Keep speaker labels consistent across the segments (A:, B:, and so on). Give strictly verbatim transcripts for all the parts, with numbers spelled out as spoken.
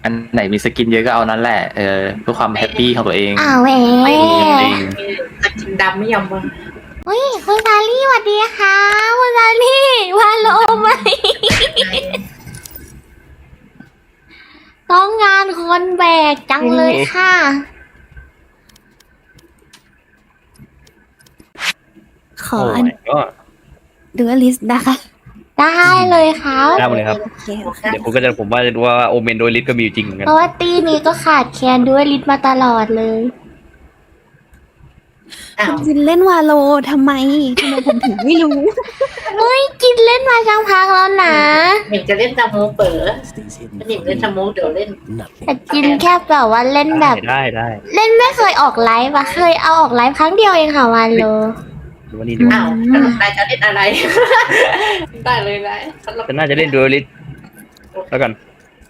A: อันไหนมีสกินเยอะก็เอานั้นแหละเออเพื่อความแฮปปี้ของตัวเอง
B: อ้าวแหว
A: จริง
C: ตะกินดำไม่ยอมวะ
B: เฮ้ยคุณซาลี่สวัสดีค่ะคุณซาลี่วาโลไหมต้องงานคนแบกจังเลยค่ะ
D: ขออัน
E: ก็
D: ดูลิสต์นะคะ
B: ได้เลยครับ
E: ได้หมดเลยครับ
D: โอเค
E: เดี๋ยวผมก็จะผมว่าว่าโอเมนโดยลิสก็มีอยู่จริงเหมือนกัน
B: เพราะว่าตีนี้ก็ขาดแคลนด้วยลิทมาตลอดเลย
C: อ้าว
D: จินเล่นวาโลทำไมทำไมผมถึงไม่รู้
B: เฮ้ยกินเล่นมาจังพักแล้วนะ
C: หมิงจะเล่นตาโมเป๋อหมิงเล่นตาโมเดี๋ยวเล่น
B: แต่กินแค่แบบว่าเล่นแบบ
E: ได้ได้
B: เล่นไม่เคยออกไลฟ์อะเคยเอาออกไลฟ์ครั้งเดียวเองค่ะวันโล
E: ดูว่านี่ดู
C: อ้าวแต่นายจะเล่นอะไร ได้เลยนายสำหรับ
E: จะน่าจะเล่นดูลิสแล้วกัน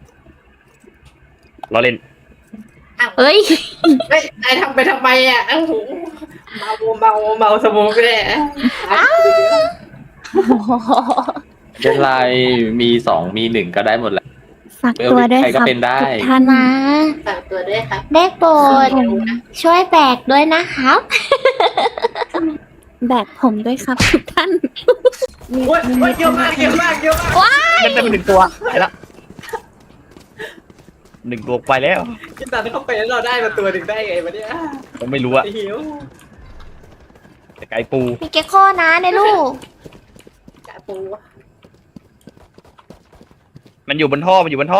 E: เราเล่น
B: เฮ้ย
C: เฮ้ยนายทำไปทำไมอ่ะโอ้โหเมาเมาเมาสมองเลย
A: เช่นไรมีสองมีหนึ่งก็ได้หมดแหละ
D: ฝากตัวด้วย
A: ใคร
D: ค
A: ก็
D: รับ
A: เป็นได้
D: ทุกท่าน
B: มา
C: ฝากตัวด้วยครับ
B: ได้โปรดช่วยแบกด้วยนะครับ
D: แบกผมด้วยครับทุกท่านมี
C: โอ้ย
D: มี
C: โอ้ยเยอะมากเยอะมากเยอะมาก
E: เล่นได้เป็นหนึ่งตัวไปละหนึ่งตัวไปแล้ว
C: กินตอนเข้าไปแล้วเราได้มาตัวหนึ่งได้ไงวะเนี่ย
E: ผมไม่รู้อะ
C: หิว
E: แต่ไก่ปู
B: มีเกคโคนะในลูก
C: กะปู
E: มันอยู่บนท่อมันอยู่บนท่อ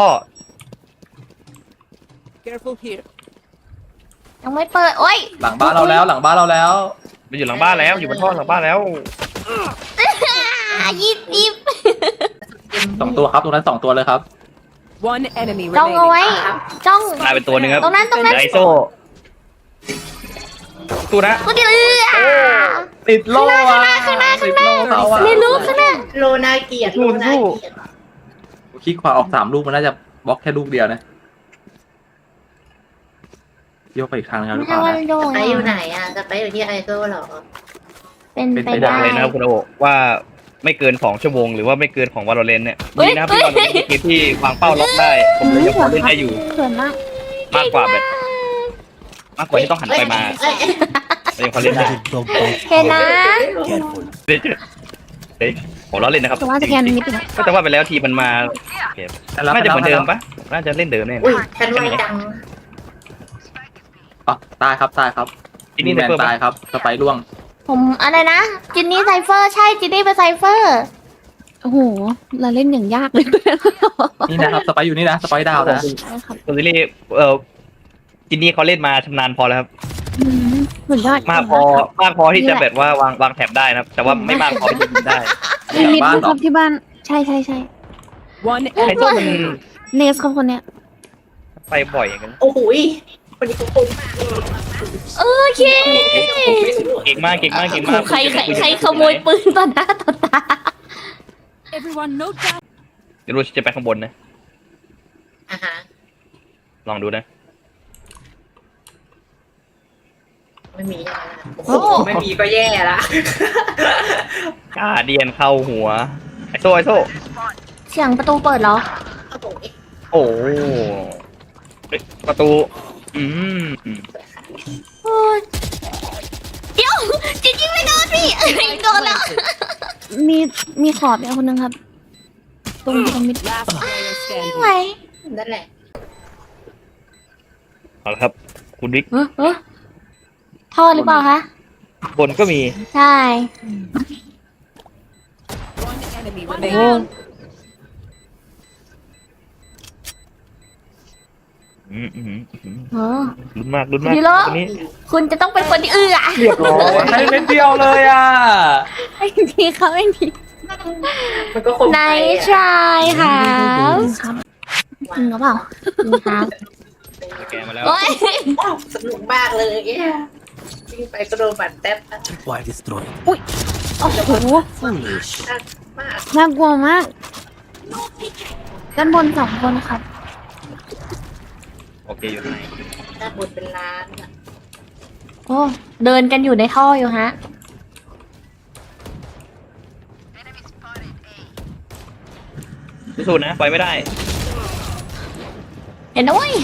B: ยังไม่เปิด โอ้ย
A: หลังบ้านเราแล้วหลังบ้านเราแล้ว
E: มันอยู่หลังบ้านแล้วอยู่บนท่อหลังบ้านแล้ว
B: อ่ะยิบยิบ
A: สองตัวครับตรงนั้นสองตัวเลยครับ
F: One enemy
B: จ้องเอาไว้
F: remaining.
B: จ้อง
E: ตายเป็นตัวหนึ่งครับ
B: ตรงนั้นตรงนั้น
E: ไดโซ่ตัวนะ
B: ตัวเดียวเออ
A: ติดโล่อะข้างหน้าข้างหน้า
B: เรียนรู้ข้างหน้า
C: โลนาเกียรติโลนาเกียรติ
A: คลิกขวาออกสามลูกมันน่าจะบล็อกแค่ลูกเดียวนะโยกไปอีกทางนึงหรือ
B: ไม่
A: เป
B: ใช่
A: ล่า
B: ว่า
A: นะ
B: โยง
C: ไปอยู่ไหนอ่ะจะไปอยู่ที่ไอโซเหรอ
B: เป็น
A: เป็น
B: ไป
A: ไป
B: ได้
A: ได้
E: เลยนะครับคุณโอว่าไม่เกินสองชั่วโมงหรือว่าไม่เกินของวาโลเรนเนี่ยดีนะครับที่วาโลเรนเป็นเกมที่วางเป้าล็อกได้ ผมเลยยังพอเล่นได้อยู่
D: เขินมาก
E: มากกว่าแบบมากกว่าที่ต้องหันไปมา
C: เอ้ย
E: เรายังพอเล่นได้
B: เห็นนะ
E: เล่นเฮ้ยผมล้อเล่นนะครับ
D: แต่ว่าจะแกนนิดหนึง
E: ก็แต่ว่าไปแล้วทีมันมาเกม
A: แต่รับ
E: น่าจะเหมือนเดิม
A: ไปแล้ว
E: ปะน่าจะเล่นเดิมแน่
C: อุ้ยฉันไวจัง
A: อ๋อตายครับตายครับ
E: ที่นี่
A: แม
E: ใน
A: น
E: เพิ่ม
A: ตายครับสไปร์ร่วง
B: ผมอะไรนะ จินนี่ไซเฟอร์ใช่จินนี่เป็นไซเฟอร์
D: โอ้โห เราเล่นอย่างยากเลย
A: นี่นะครับสไปร์อยู่นี่นะสไปร์ดาวนะ
D: ใช่ครับ
E: ตัวซีรีส์เออจินนี่เขาเล่นมาชำนาญพอแล้วครับ
D: อืมสุดยอด
E: มากพอมากพอที่จะแบบว่าวางวางแถบได้นะครับ แต่ว่าไม่มากพอที่จะยิงได้
D: มีมิดครับที่บ้าน ใช่ใช่ใช่
F: One
E: ไอ้
F: enemy
E: ตัวมัน
D: เนสครับคนเนี้ย
E: ไปบ่อยกัน
C: โอ้โหยคนนี้ก็คมมาก
B: โอเค
E: เก่งมากเก่งมากเก่งมาก
B: ใครใครใครขโมยปืนต่อหน้าต่อตา
F: Everyone note down.
E: เดี๋ยวรู้จะไปข้างบนนะ
C: อ่าฮะ
E: ลองดูนะ
C: ไม่มีอะไรนะโอ้โหไม่มีก็แย่ละ
E: กาเดียนเข้าหัว ไอโซ่ไอโซ่
B: เสียงประตูเปิดเหรอ
C: โอ้โห
E: โอ้เฮ้ยประตู อืม
B: โอ้ยเดี๋ยวจินยิงไม่โดนพี่เอ้ยโดนแล้ว
D: มีมีขอบเนี่ยคนหนึงครับ ตรงตรงมิด
F: Last player
B: ไม่ไหว
F: standing.
C: นั่นแหละ
E: เอาละครับ คุณดิ๊ก
B: เออเออท่อหรือเปล่าคะ
E: บนก็มี
B: ใช่
F: One enemy
B: โอ้
F: remaining.
E: อืมอืมอืม
B: โห
E: ลุ้นมากลุ้นมาก
B: ดีแล้ว
E: ตัวนี้
B: คุณจะต้องเป็นคนที่เอื้อ
E: เรียบร้อย
A: ให้เม็ดเดียวเลยอ่ะ
D: ไอ้ทีเขาไอ้ที
C: มันก็คม
B: ใน
C: ไป
B: ชายค่ะ
D: ครับจริงหรือเปล่า
B: ครับ
E: แกมาแล้ว
B: โอ้ย
C: ว้าวสนุกมากเลยวิ่งไปก็โดนบัตรแท็บ
G: Why destroy?
D: โอ้โห
G: Foolish.
C: มาก
D: น่ากลัวมาก ด้านบนสองคนครับ
E: โอเคอยู่ไหน
C: หน้าบนเป็นล้านอะ
B: โอ้เดินกันอยู่ในท่ออยู่ฮะ
E: พิสูจน์นะ ไปไม่ได้
B: เห็นนะเว้ย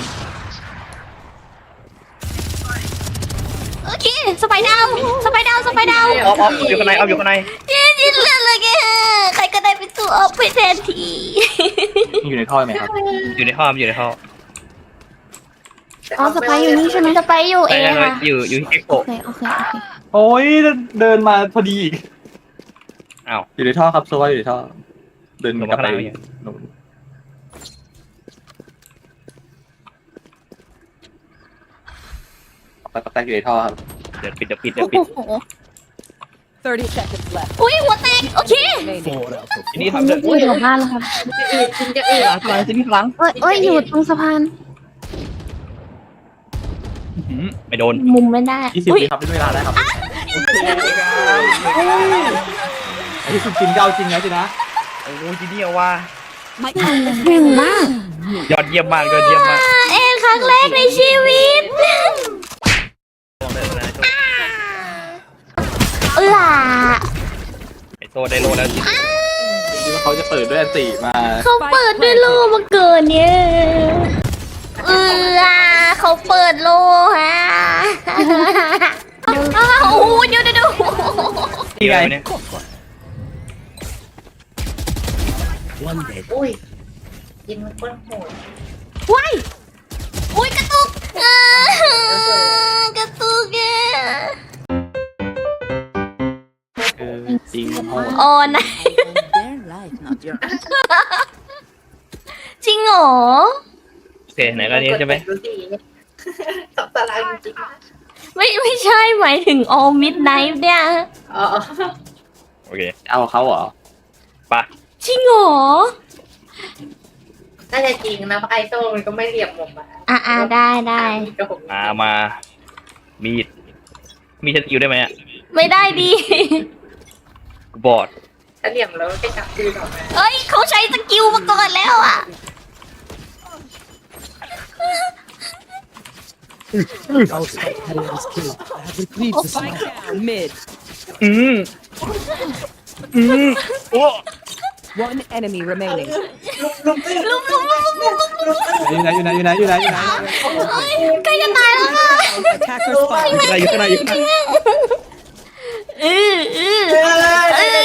B: โอเคสไปดาวสไปดาวสไปดาว
E: ออฟออฟอยู่ข้างในออฟอยู่ข้างใน
B: ยินยินเลือดเลยแกใครก็ได้เป็นตัวออฟไปแทนที
A: อยู่ในท่อไหมครับ
E: อยู่ในห้องอยู่ในห้อง
D: อ๋อสไปร์อยู่นี่ใช่ไหม
B: จะไปอยู่เอ
E: ใช่
B: ง
E: ใช่
B: ค่ะ
E: อยู่อยู่ที่เอ็กโ
D: โอเคโอเคโอเค
A: โอ้ยเดินมาพอดีอีก
E: อ้าว
A: อยู่ในท่อครับโซว่าอยู่ในท่อ เดิน
E: ลง
A: กลั
E: มา
A: บไป
E: ข้างล่างเนี่ย
A: นู่นไปกระแตกอยู่ในท่อครับ
E: เดี๋ยวปิดเดี๋ยวปิดเดี๋ยวปิด
B: โอ้โห
F: thirty seconds left.
B: อุ้ยหัวแตกโอเค
F: Remaining.
G: Four out of
E: ทีนี้
D: คน
E: ทำ
D: เมื่
E: เรื่
D: อ
E: อง
D: กี้อยู่บ้านแล้วครับ
C: จะอื่นกินจะอื่น
E: หลังหลังทีนี้หลัง
D: เอ้ยเอ้ยอยู่ตรงสะพาน
E: หืมไม่โดน
B: มุมไม่ได้
A: ยี่สิบ
B: อุ้ย
A: วิครับเป็นเวลาได้ครับไอ้ที่คุณกินเก้าจริงนะจินะ
E: โอ้โหทีนี้เอาว่า
D: เก่งมาก
E: ยอดเยี่ยมมากยอดเยี่ยมมาก
B: เอ็นครั้งแรกในชีวิต
E: ลองเลยนะ
B: เออล่ะ
E: ไอโซได้โลแล้ว
A: คิดว่าเขาจะเปิดด้วยอันติมา
B: เขาเปิดด้วยโลมาเกินเนี่ยเออเขาเปิดโลฮะอ้าวโอ้โหเดี๋ยวเดี๋ยวเดี๋ยว
E: นี่ไงเนี่ย
G: one dead.
C: อุ้ยกินมันก้นโหด
B: ว้ายอุ้ยกระตุกอ่ากระตุกอ่ะ
A: เออจริงโหด
B: โอ้นาย
F: Their life, not yours.
B: จริงเหรอ
E: โอเคไหนก็นี้ใช่ไหม
C: ดูสิสับตารางจริง
B: ไม่ไม่ใช่หมายถึง all midnight เนี่ย
C: ๆอ๋อ
E: โอเค
A: เอาเขาเหรอ
E: ปะ
B: จริงเหรอ
C: น่าจะจริงนะเพราะไอโซ่มันก็ไม่เหลี่ยมผมอ่ะ
B: อ่าอ่าได้ได้
C: กับผม
E: มามามีดมีดสกิลได้ไหมอ่ะ
B: ไม่ได้ดี
E: บอด
C: ถ้าเหลี่ยมแล้วก็จับคืนออกมา
B: เอ้ยเขาใช้สกิลมาก่อนแล้วอ่ะ
G: Our spike carrier is killed. I have retrieved the
F: Spike
G: spike.
F: down mid.
E: อืมอืมโอ้
F: One enemy remaining.
B: ลุมลุมลุมลุมลุมลุม
A: อยู่ไหนอยู่ไหนอยู่ไหนอยู่ไหนอยู่ไหน
B: เอ้ยใกล้จะตายแล้วค่ะ
F: Attacker spot.
E: อะไรอยู่ข้างในอยู่ข้างใน
B: เออเออเออ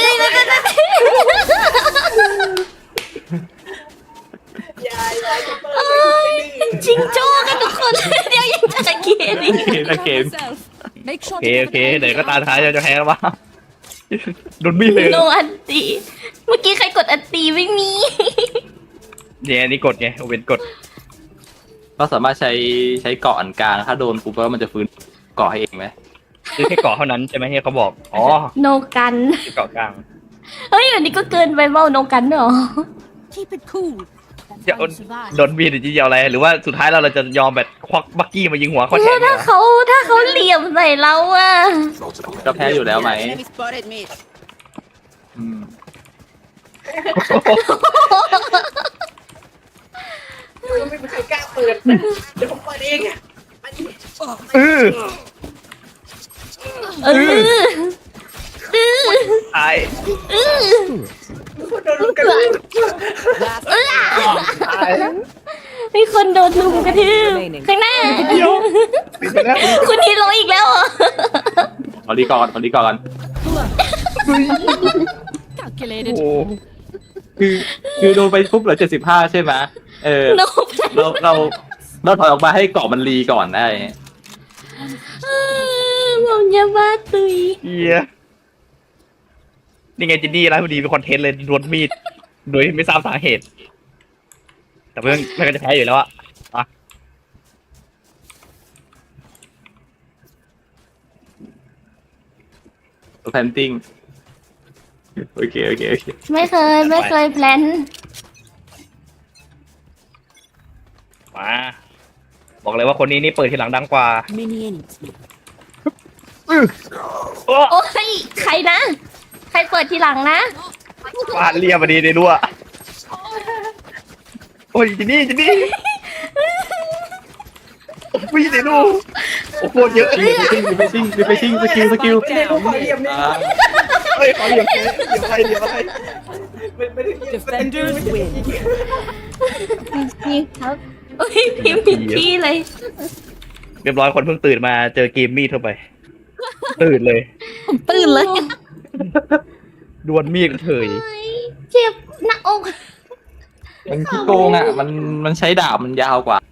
C: ยายยายจะเปิด
B: เอ้ยจิงโจ้กันทุกคน เดี๋ยวยังจะเกลียดอีก
A: เกมละเกม
F: Yourself. Make
E: โอ
F: sure
E: เคโอเคเดี๋ยวก็ตาท้ายจะแพ้แล้ววะโดนมีดเลย
B: โนอันตีเมื่อกี้ใครกดอันตีไม่มี
E: เนี่ยนี่กดไงเว้นกด
A: ก็สามารถใช้ใช้เกาะอันกลาง ถ้าโดนปุ๊บแล้วมันจะฟื้นเกาะให้เองไหม
E: คือแค่เกาะเท่านั้นใช่ไหมที่เขาบอกอ๋อ
B: โนกัน
E: คือเกาะกลาง
B: เฮ้ยอันนี้ก็เกินไปเบ้าโนกันเหรอ
F: keep it cool.
E: จะโดนมีดหรือจะเอาอะไร หรือว่าสุดท้ายเราเราจะยอมแบบควักบักกี้มายิงหัวเขาแท
B: แล้
E: น
B: ว
E: เนี่
B: ถ้าย เขาถ้าเขาเหลี่ยมใส่เราอะ
A: ก็แพ้อยู่แล้วไหม
F: Enemy spotted mid.
A: อืม
C: ไม่มีใครกล้าเปิดนะเดี๋ยวผมเปิดเองอ่ะมาดิ
E: เออ
B: เออเออ
E: ตาย
B: เออ
C: โดนลูกกระสุน
F: Last
E: ตาย
B: มีคนโดนลุมกระทืบข้างหน้า
E: ปิดไปแล้ว
B: คุณฮีโร่อีกแล้วเหรอ
A: ขอรีก่อนขอรีก่อน
F: calculated.
E: โอ้
A: คือคือโดนไปปุ๊บเหลือเจ็ดสิบห้าใช่ไหมเออ
B: โน
A: เราเราเราถอยออกมาให้เกาะมันรีก่อนได้
B: ผมจะบ้าตุย
E: เฮียนี่ไงจินนี่ร้านพอดีเป็นคอนเทนต์เลยโดนมีดโดยไม่ทราบสาเหตุ แต่เพื่อนเพื่อนก็จะแพ้อยู่แล้วอะอ่ะ
A: แพนติ้งโอเคโอเคโอเค
B: ไม่เคยไม่เคยแพลน
E: มาบอกเลยว่าคนนี้นี่เปิดทีหลังดังกว่า
F: Many enemies.
E: โอ้
B: โอ้ยใครนะ ใครเปิดทีหลังนะ
E: ฟาดเรียบพอดีเลยด้วยโอ้ยจินนี่จินนี่โอ้ยเดี๋ยวดูโอ้โหเยอะ
A: รีเฟซิ่งรีเฟซิ่งรีเฟซิ่งสกิลสกิล
C: ไม่ได้ลูกขอเหลี่ยมเนี่ย
A: อ่า
E: เฮ้ยขอเหลี่ยมเจ๊เหลี่ยมอะไรเหลี่ยมอะไร
C: ไม่ไม่ได้เหลี่ยม
F: Defenders win.
D: นี่ครับ
B: โอ้ยพิมพ์ผิดที่เลย
E: เรียบร้อยคนเพิ่งตื่นมาเจอเกมมีดเข้าไป ตื่นเลย
D: ผมตื่นเลย
E: ดวลมีดเถย
B: เฮ้ยเจ็บหน้าอก
A: มันขี้โกงอ่ะ มันมันใช้ดาบมันยาวกว่า